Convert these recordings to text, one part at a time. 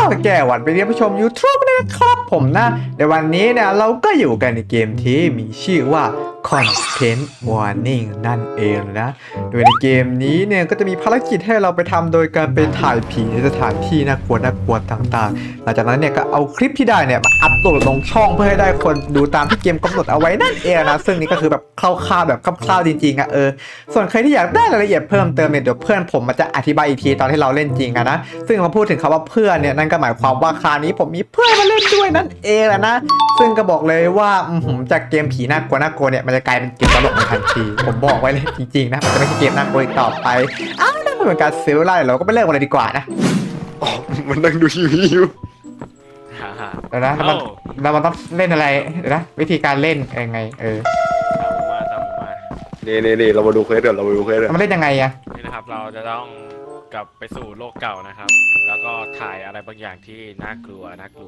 แก่หวันไปเรียนผู้ชม YouTube นะครับผมนะในวันนี้เนี่ยเราก็อยู่กันในเกมที่มีชื่อว่า Content Warning นั่นเองนะโดยในเกมนี้เนี่ยก็จะมีภารกิจให้เราไปทำโดยการไปถ่ายผีในสถานที่น่ากลัวต่างๆหลังจากนั้นเนี่ยก็เอาคลิปที่ได้เนี่ยมาอัปโหลดลงช่องเพื่อให้ได้คนดูตามที่เกมกำหนดเอาไว้นั่นเองนะซึ่งนี่ก็คือแบบคร่าวๆแบบคร่าวๆจริงๆส่วนใครที่อยากได้รายละเอียดเพิ่มเติมเนี่ยเดี๋ยวเพื่อนผมมันจะอธิบายอีกทีตอนที่เราเล่นจริงนะซึ่งมาพูดถึงคำว่าเพื่อนเนี่ยนั่นก็หมายความว่าคราวนี้ผมมีเพื่อนมาเล่นด้วยนั่นเองนะซึ่งก็บอกเลยว่าจากเกมผีน่ากลัวเนี่ยมันจะกลายเป็นเกมตลกในทันทีผมบอกไว้เลยจริงๆนะมันจะไม่ใช่เกมน่ากลัวอีกต่อไปนั่นเป็นการเซลล์ไล่เราก็ไปเริ่มกันเลยดีกว่านะอ๋อมันนั่งดูทีวีอยู่เดี๋ยวนะเราต้องเล่นอะไรเดี๋ยวนะวิธีการเล่นยังไงตามผมมานี่เรามาดูเควสเดี๋ยวมันเล่นยังไงอะนี่นะครับเราจะต้องกลับไปสู่โลกเก่านะครับแล้วก็ถ่ายอะไรบางอย่างที่น่ากลัว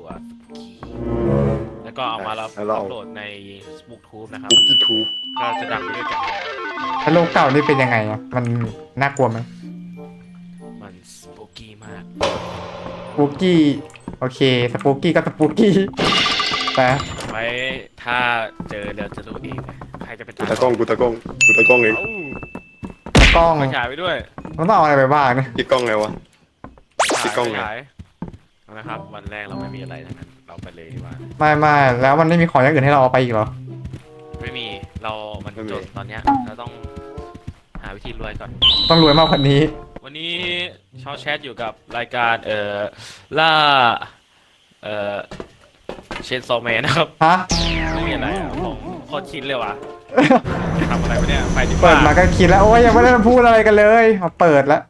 แล้วก็เอามาแล้วอัปโหลดใน YouTube นะครับ YouTube ก็จะดังไปด้วยกันแล้วโลกเก่านี่เป็นยังไงอะมันน่ากลัวไหมมันสปูกี้มากสปูกี้โอเคสปูกี้ก็สปูกี้แต่ไว้ถ้าเจอเดี๋ยวจะรู้เองใครจะเป็นกูตากล้องเองตากล้องฉายไปด้วยมันต้องเอาอะไรไปบ้างนะติดกล้องไงวะติดกล้องไงนะครับวันแรกเราไม่มีอะไรทั้งนั้นเราไปเลยดีกว่าไม่แล้วมันไม่มีของอย่างอื่นให้เราเอาไปอีกเหรอไม่มีมันจนตอนเนี้ยเราต้องหาวิธีรวยก่อนต้องรวยมากกว่านี้วันนี้ชอแชทอยู่กับรายการล่าเชนโซแมนนะครับฮะไม่มีอะไรผมโคตรชินเลยว่ะทำอะไรวะเนี่ยไปดีกว่าเปิดมาก็คิดแล้วโอ้ยยังไม่ได้พูดอะไรกันเลยมาเปิดแล้ว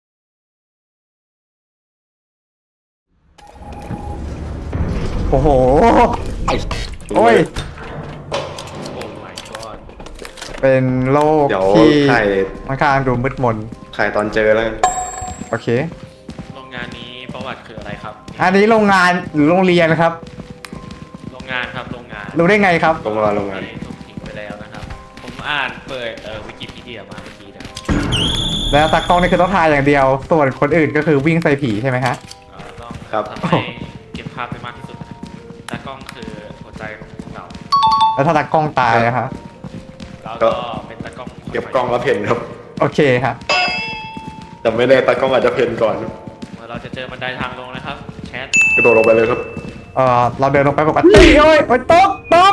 โอ้โหโอ้ยโอ้ my god เป็นโลกที่ค่อนข้างดูมืดมนถ่ายตอนเจอแล้วโอเคโรงงานนี้ประวัติคืออะไรครับอันนี้โรงงานหรือโรงเรียนครับโรงงานครับโรงงานรู้ได้ไงครับโรงงานถูกทิ้งไปแล้วนะครับผมอ่านเปิดวิกิพีเดียมาเมื่อกี้นะแล้วตากล้องนี่คือต้องถ่ายอย่างเดียวส่วนคนอื่นก็คือวิ่งใส่ผีใช่ไหมฮะต้องทำให้เก็บภาพได้มากที่สุดตากล้องคือหัวใจของเราแล้วถ้าตากล้องตายนะครับเราก็เป็นตากล้องเก็บกล้องแล้วเพนครับโอเคครับแต่ไม่แน่ตากล้องอาจจะเพนก่อนเราจะเจอบันไดทางลงนะครับแชทกระโดดลงไปเลยครับเราเดินลงไปปกติโอ้ยตก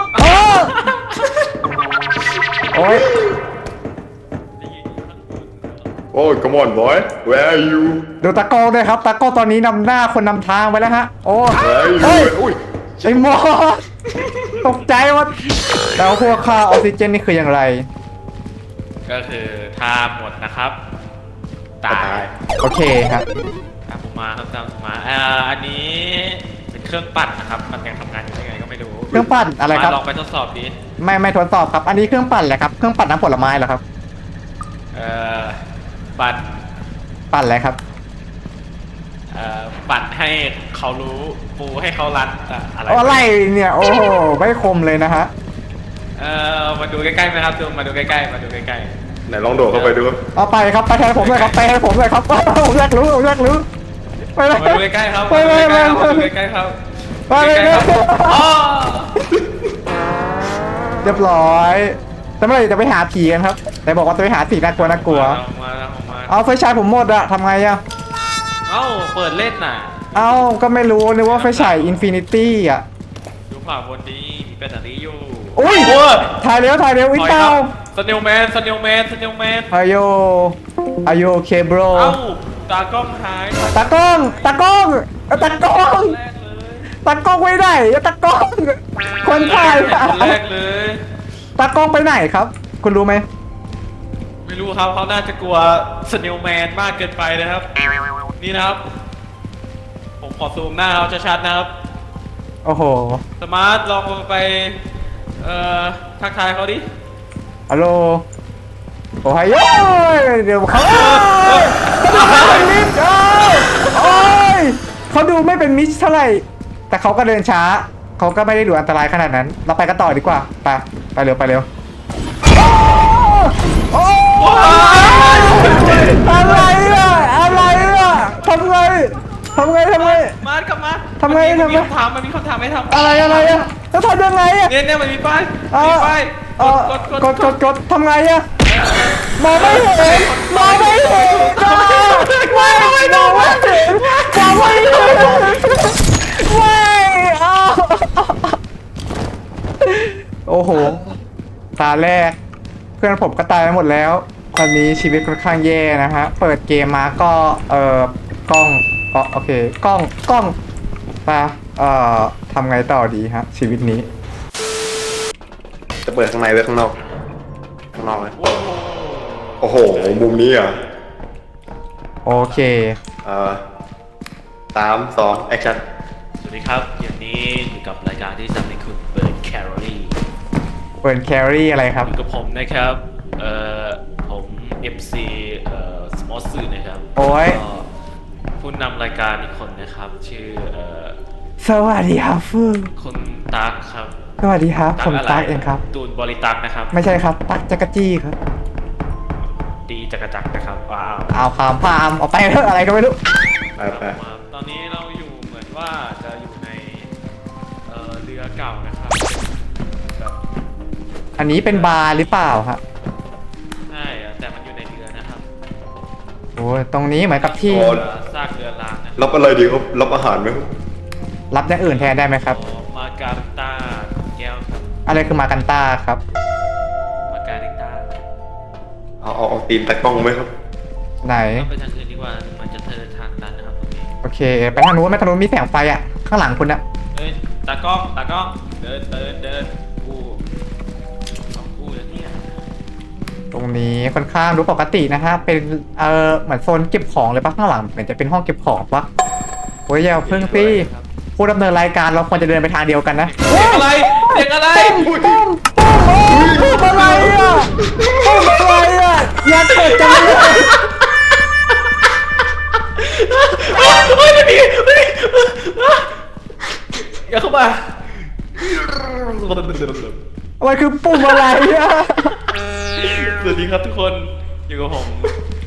โอ้ยโอ้ย come on boy where are you ดูตากล้องด้วยครับตากล้องตอนนี้นำหน้าคนนำทางไปแล้วฮะโอ้ยไอ้หมอตกใจว่าแล้วพวกค่าออกซิเจนนี่คืออย่างไรก็คือถ้าหมดนะครับตายโอเคครับตามผมมาอันนี้เป็นเครื่องปั่นนะครับมันยังทำงานอยู่ยังไงก็ไม่รู้เครื่องปั่นอะไรครับลองไปทดสอบดิไม่ทดสอบครับอันนี้เครื่องปั่นแหละครับเครื่องปั่นน้ำผลไม้เหรอครับปั่นอะไรครับปั่นให้เขารู้ปูให้เขารัดอะไรเนี่ยโอ้โหไม่คมเลยนะฮะมาดูใกล้ๆไหมครับมาดูใกล้ๆไหนลองโดดเข้าไปดูเอาไปครับไปแทนผมเลยครับไปให้ผมเลยครับผมอยากรู้ไปเลยมาดูใกล้ๆครับไปดูใกล้ๆครับไปเลยเรียบร้อยแต่เมื่อไหร่จะไปหาผีกันครับแต่บอกว่าจะไปหาผีน่ากลัวเอาไฟฉายผมหมดอะทำไงอะเปิดเล่นน่ะก็ไม่รู้นึกว่าไฟฉายอินฟินิตี้อะดูขวาบนนี้มีแบตเตอรี่อยู่อุ้ยถ่ายเร็วอินเตาสเนลแมนอายุโอเคบรตากล้องหายตากล้องไว้ไหนตากล้องคนถ่ายแรกเลยตากล้องไปไหนครับคุณรู้ไหมไม่รู้ครับเขาน่าจะกลัวสเนลแมนมากเกินไปนะครับนี่นะครับผมขอซูมหน้าเขาชัดๆนะครับโอ้โหสมาร์ทลองไปทักทายเขาดิฮัลโหลโอ้ยเดี๋ยวเขาเขาดูไม่เป็นมิชเท่าไหร่แต่เขาก็เดินช้าเขาก็ไม่ได้ดูอันตรายขนาดนั้นเราไปกันต่อดีกว่าไปเร็วอะไรล่ะทำไงทำไงมากลับมาทำไงมันมีทำไงคำถามมันมีคำถามให้ทำอะไรอะแล้วทำยังไงอะเนี่ยมันมีป้ายเอมีอป้ายเออก ดทำไงอะมองไม่เห็นจ้าไม่มองไม่เห็นไม่อ้าวโอ้โหตาแรกเพื่อนผมก็ตายไปหมดแล้วตอนนี้ชีวิตค่อนข้างแย่นะฮะเปิดเกมมาก็กล้องโอเคกล้องไปทำไงต่อดีฮะชีวิตนี้จะเปิดข้างในหรือข้างนอกข้างนอกเลยโอ้โหมุมนี้อ่ะโอเค 3 2 แอคชั่นสวัสดีครับอย่างนี้อยู่กับรายการที่ทำให้คุณเปิดแคลอรี่เปิดแครี่อะไรครับอยู่กับผมนะครับ ผม MC สมอสซื่อนะครับโอ้ยก็ผู้นำรายการอีกคนนะครับ ชื่อสวัสดีครับฟืคุณตั๊กครับสวัสดีครับผมะไรตั๊กเองครับตูนบริตักนะครับไม่ใช่ครับตั๊กจักรจี้ครับดีจักรจักรนะครับว้าวเอาพามเอาไปเถอะอะไรก็ไม่รู้ไปตอนนี้เราอยู่เหมือนว่าจะอยู่ในเรือเก่านะครับแบบอันนี้เป็นบาร์หรือเปล่าฮะใช่อะแต่มันอยู่ในเรือนะครับโอ้ยตรงนี้เหมือนกับที่ซากเรือร้างนะรับอะไรดีครับรับอาหารไหมครับรับอย่างอื่นแทนได้ไหมครับมาการิต้าแก้วครับอะไรคือมากันต้าครับมาการิต้าเอาตีนตะกล้องไหมครับไหนต้องไปทางอื่นดีกว่ามันจะเทินทางตันนะครับตรงนี้โอเค ไปทางนู้นไหมทางนู้นมีแสงไฟอะข้างหลังคุณอะเอ้ยตากล้องเดินกูสองกูแล้วเนี่ยตรงนี้ค่อนข้างดูปกตินะฮะเป็นเหมือนโซนเก็บของเลยปะข้างหลังเหมือนจะเป็นห้องเก็บของปะโอ้ยอย่าเพิ่งสิผู้ดำเนินรายการเราควรจะเดินไปทางเดียวกันนะเด็กอะไรเด็กอะไรปุ้มอะไรอ่ะปุ้มอะไรอ่ะอย่าเกิดจังเลยโอ้ยไม่มีอย่าเข้ามาอะไรคือปุ่มอะไรอ่ะสวัสดีครับทุกคนอยู่กับผม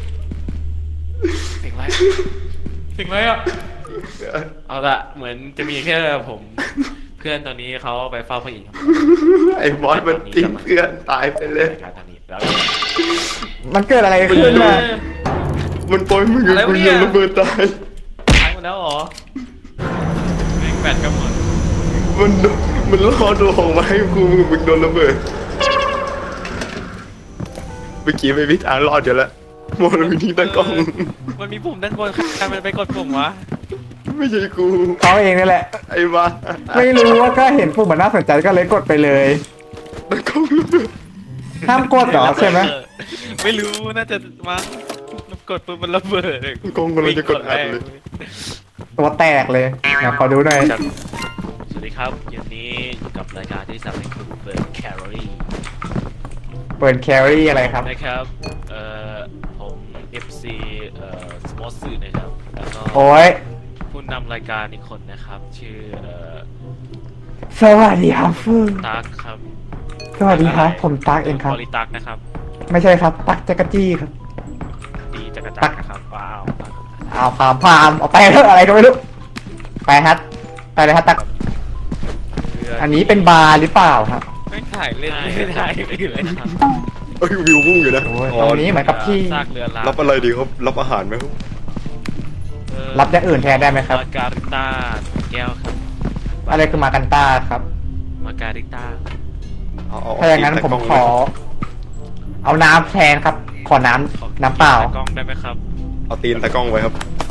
เสียงอะไรอ่ะเอาละเหมือนจะมีแค่ผมเพื่อนตอนนี้เขาไปเฝ้าพระอินทร์ครับไอ้บอสมันทิ้งเพื่อนตายไปเลยรายการตอนนี้แล้วมันเกิดอะไรขึ้นมามันปล่อยมึงกับกูยังระเบิดตายตายหมดแล้วเหรอแม่งแบตก็หมดมันล่อตัวของมาให้กูมึงโดนระเบิดเมื่อกี้ไม่มีทางรอดอยู่แล้วโมนมันทิ้งตะกล้องมันมีปุ่มด้านบนใครมันไปกดปุ่มวะไม่ใช่กูเขาเองนี่แหละไอ้บ้าไม่รู้ว่าก็เห็นปุ่มมันน่าสนใจก็เลยกดไปเลยตะกล้องระเบิดห้ามกดเหรอใช่ไหมไม่รู้น่าจะมั้งกดปุ่มมันระเบิดกล้องกำลังจะกดอัดเลยตัวแตกเลยนะขอดูหน่อยสวัสดีครับวันนี้อยู่กับรายการที่ทำให้คุณเปิดแคลอรี่เปิดแครี่อะไรครับนะครับผม FC สมอสซื่อนะครับแล้วก็โอ้ยผู้นำรายการอีกคนนะครับชื่อสวัสดีครับฟืตั๊กครับสวัสดีครับผมตั๊กเองครับบริตักนะครับไม่ใช่ครับตั๊กจักรจี้ครับดีจักรจักรนะครับว้าวเอาพามเอาไปเถอะอะไรก็ไม่รู้ไปฮัทไปเลยฮัทตั๊กอันนี้เป็นบาร์หรือเปล่าครับไม่ถ่ายเล่นไม่ถ่ายไม่เลยนะครับเอ้ยวิวพุ่งอยู่นะโอ้ยตรงนี้เหมือนกับที่ซากเรือร้างรับอะไรดีครับรับอาหารไหมครับรับอย่างอื่นแทนได้ไหมครับมาการิต้าแก้วครับอะไรคือมากันต้าครับมาการิต้าถ้าอย่างนั้นผมขอ เอาน้ำแทนครับ ขอน้ำเปล่ากล้องได้ไหมครับเอาตีนตะกล้องไว้ครับ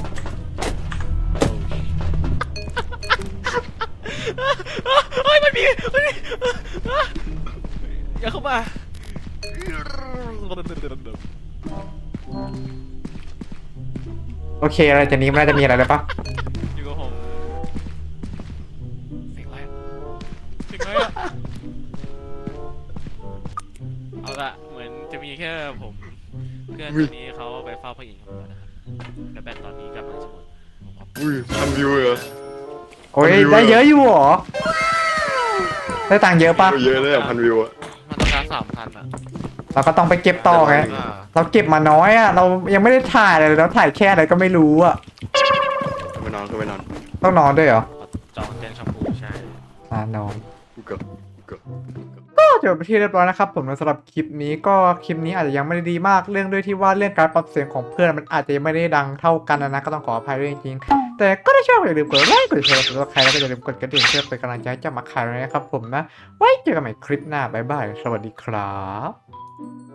เฮ้ยมันมีอย่าเข้ามาโอเคอะไรจากนี้มันน่าจะมีอะไรเลยปะอยู่กับผมเสียงอะไรอะเสียงอะไรอะเอาละเหมือนจะมีแค่ผมเพื่อนคนนี้เขาไปเฝ้าพระอินทร์ครับนะครับและแบตตอนนี้กำลังจะหมดอุ้ยพันวิวเลยเหรอโอ้ยได้เยอะอยู่เหรอได้ตังค์เยอะปะเยอะเลยอ่ะพันวิวอ่ะมันต้องการ3,000อ่ะเราก็ต้องไปเก็บต่อไงเราเก็บมาน้อยอ่ะเรายังไม่ได้ถ่ายเลยเราถ่ายแค่อะไรก็ไม่รู้อ่ะมันนอนขึ้นไปนอนต้องนอนด้วยเหรอจองเตียงชมพูใช่นอนก็ก็จบไปที่เรียบร้อยนะครับผมสำหรับคลิปนี้ก็คลิปนี้อาจจะยังไม่ได้ดีมากเรื่องด้วยที่ว่าเรื่องการปรับเสียงของเพื่อนมันอาจจะยังไม่ได้ดังเท่ากันนะก็ต้องขออภัยด้วยจริงๆแต่ก็ถ้าชอบอย่าลืมกดไลค์กดแชร์กดซับสไครต์แล้วก็อย่าลืมกดกระดิ่งเพื่อเป็นกำลังใจให้เจ้ามาคายนะครับผมนะไว้เจอกันใหม่คลิปหน้าบ๊ายบายสวัสดีครับ